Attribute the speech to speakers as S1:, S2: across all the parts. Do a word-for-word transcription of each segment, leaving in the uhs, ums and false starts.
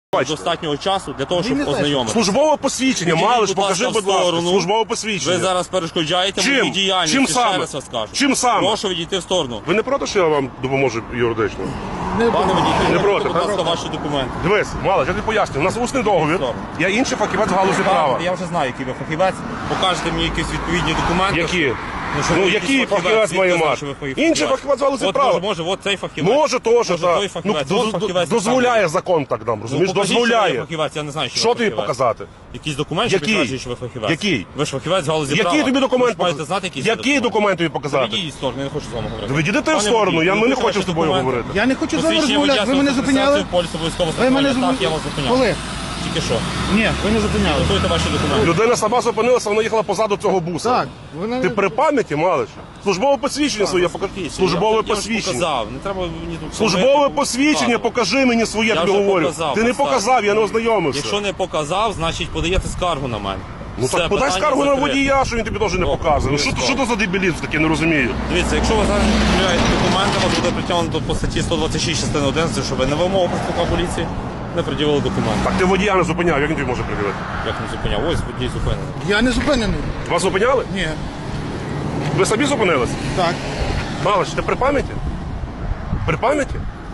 S1: Бачите.
S2: Достатнього часу для того, щоб ознайомитися.
S1: Службове посвідчення,
S2: Підійдіть,
S1: Малиш,
S2: будь ласка,
S1: покажи,
S2: в
S1: будь ласка,
S2: сторону.
S1: службове посвідчення.
S2: Ви зараз перешкоджаєте
S1: Чим?
S2: моїй діяльності,
S1: Чим
S2: ще
S1: саме?
S2: раз вас скажу.
S1: Чим саме?
S2: Прошу відійти в сторону.
S1: Ви не проти, що я вам допоможу юридично?
S2: Пане водій,
S1: Не проти,
S2: будь ласка,
S1: так?
S2: ваші документи.
S1: Дивись, Малиш, я тобі поясню, у нас усний договір,
S2: Добре.
S1: я інший фахівець в галузі права.
S2: Я вже знаю, який ви фахівець. Покажете мені якісь відповідні документи.
S1: Які?
S2: що
S1: Ну,
S2: ви
S1: який
S2: якийсь
S1: фахівець має
S2: звідки знає,
S1: мати?
S2: що ви фахівець?
S1: Інший фахівець в галузі
S2: От,
S1: права.
S2: Може, може, от цей фахівець.
S1: Може, теж,
S2: Може, той
S1: так. Ну,
S2: фахівець.
S1: до-
S2: От
S1: до-
S2: фахівець
S1: дозволяє закон так нам, розумієш?
S2: Ну, покажіть, що ви
S1: Дозволяє.
S2: фахівець, я не знаю, що
S1: Що
S2: ви
S1: тобі
S2: фахівець.
S1: показати?
S2: Якийсь документ, що
S1: Який?
S2: підтверджує, що ви фахівець?
S1: Який?
S2: Ви ж фахівець в галузі права.
S1: Який тобі
S2: Ви
S1: документ
S2: ж маєте
S1: показати?
S2: знати, який
S1: Який документ тобі показати?
S2: Відійдіть з сторони, я не хочу з вами говорити.
S1: Відійди ти в
S2: Пане
S1: сторону,
S2: водій,
S1: я ми не
S2: покажіть
S1: хочемо з тобою
S2: документи.
S1: говорити.
S3: Я не хочу з вами
S2: Посвідчення
S3: розмовляти. Ви мене
S2: водія,
S3: зупиняли?
S2: поліс обов'язково
S3: Ви мене
S2: зупиняли. Так, я вас
S3: зупиняли?
S2: зупиняв.
S3: Коли?
S2: Тільки що.
S3: Ні, ви не зупиняли.
S2: Готуйте ваші документи.
S1: Людина сама зупинилася, вона їхала позаду цього буса.
S3: Так. Вона...
S1: Ти при пам'яті, Малиш? Службове посвідчення своє покажи. Службове
S2: Я- я вже
S1: посвідчення.
S2: показав. Не треба мені тут
S1: Службове
S2: робити,
S1: посвідчення,
S2: показувати.
S1: покажи мені своє,
S2: Я
S1: тобі
S2: вже
S1: говорю.
S2: показав,
S1: Ти не
S2: поставив.
S1: показав, я не ознайомився.
S2: Якщо не показав, значить подаєте скаргу на мене.
S1: Ну
S2: Все,
S1: так подай
S2: питання
S1: скаргу на
S2: закрите.
S1: водія, що він тобі теж не
S2: Добре,
S1: показує. Ну що,
S2: обов'язково.
S1: що то за дебілізм таке, не розумію.
S2: Дивіться, якщо ви зараз не перевіряєте документи, вас буде притягнуто по статті сто двадцять шість частини одинадцять, що ви на вимогу представника поліції не пред'явили документи.
S1: Так ти водія не зупиняв, як він тобі може приділити?
S2: Як не зупиняв? Ось водій зупинений.
S3: Я не зупинений.
S1: Вас зупиняли?
S3: Ні.
S1: Ви самі зупинились?
S3: Так.
S1: Малиш, ти при пам'яті? При пам'яті?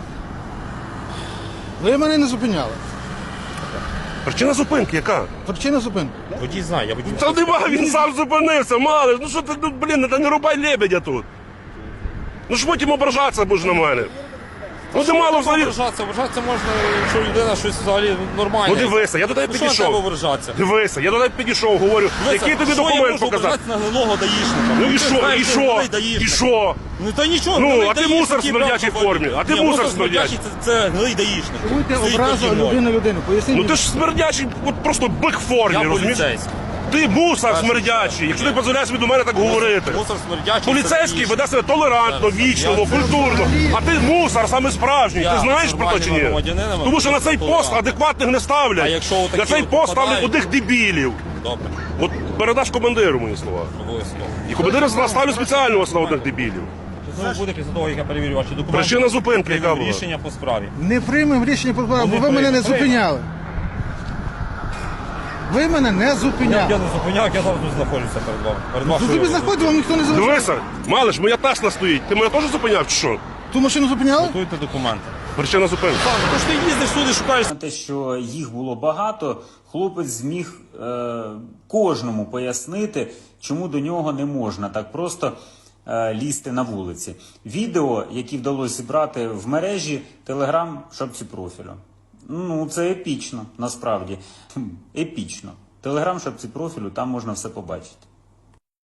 S3: Ви мене не зупиняли.
S1: Причина зупинки яка?
S3: Причина зупинки.
S2: Водій знає, я водій.
S1: Та нема, він сам зупинився, Малиш. Ну що ти, ну, блін, та не рубай лебедя тут. Ну ж потім ображатися будеш на мене. Ну ти мало взагалі.
S2: Вражатися, вражатися можна, якщо людина щось взагалі нормальне.
S1: Ну дивися, я до тебе
S2: Ну, що треба
S1: підійшов.
S2: вражатися?
S1: Дивися, я до тебе підійшов, говорю,
S2: Дивися,
S1: який тобі
S2: що я
S1: документ
S2: можу
S1: показати?
S2: ображатися на гнилого даїшника?
S1: Ну і
S2: Ти
S1: що,
S2: знаєш,
S1: і
S2: ти
S1: що,
S2: гнилий
S1: і
S2: даїшник.
S1: що?
S2: Ну та нічого,
S1: Ну,
S2: гнилий
S1: а ти
S2: даїшник,
S1: мусор в
S2: який
S1: смердячій
S2: брав
S1: формі, а ти
S2: Ні,
S1: мусор
S2: смердячий,
S1: смердячий.
S2: Це, це гнилий даїшник.
S3: Чуєте
S2: Стоїть
S3: образу
S2: переді мною.
S3: людини людину. Поясніть.
S1: Ну ти ж смердячий, от просто бик в формі,
S2: Я
S1: розумієш?
S2: поліцейський.
S1: Ти мусор смердячий, якщо ти дозволяєш від мене так говорити.
S2: Мусор смердячий.
S1: Поліцейський
S2: це
S1: веде себе толерантно,
S2: Зараз.
S1: вічливо,
S2: Я-
S1: культурно. А ти мусор саме справжній.
S2: Я
S1: Ти знаєш про те чи ні?
S2: громадянином,
S1: Тому що на цей
S2: толерантно.
S1: пост адекватних не
S2: А
S1: ставлять.
S2: якщо отакі
S1: На цей
S2: от
S1: пост ставлять
S2: попадають?
S1: одних дебілів.
S2: Добре,
S1: От передаш командиру мої слова.
S2: обов'язково.
S1: І командир ставлю спеціального на одних дебілів.
S2: Що буде після того, як я перевірю ваші документи?
S1: Причина зупинки яка
S2: Приймемо
S1: була?
S2: рішення по справі.
S3: Не приймемо рішення по справі, бо
S2: Ну,
S3: ви
S2: не
S3: мене не
S2: приймемо.
S3: зупиняли. Ви мене не
S2: Я,
S3: зупиняли.
S2: я не зупиняв, я зараз тут знаходжуся перед вами. Перед
S3: Ви
S2: вашою
S3: собі
S2: роботою.
S3: знаходите, вам ніхто не залишив.
S1: Дивися, Малиш, моя Тесла стоїть. Ти мене теж зупиняв чи що?
S3: Ту машину зупиняли?
S2: Готуйте документи.
S1: Причина зупинки.
S2: Тож ти їздиш сюди, шукаєш.
S4: Те, що їх було багато, хлопець зміг е, кожному пояснити, чому до нього не можна так просто е, лізти на вулиці. Відео, які вдалося зібрати в мережі, Телеграм, шапці профілю. Ну, це епічно, насправді. Хм, Епічно. Телеграм, шапці профілю, там можна все побачити.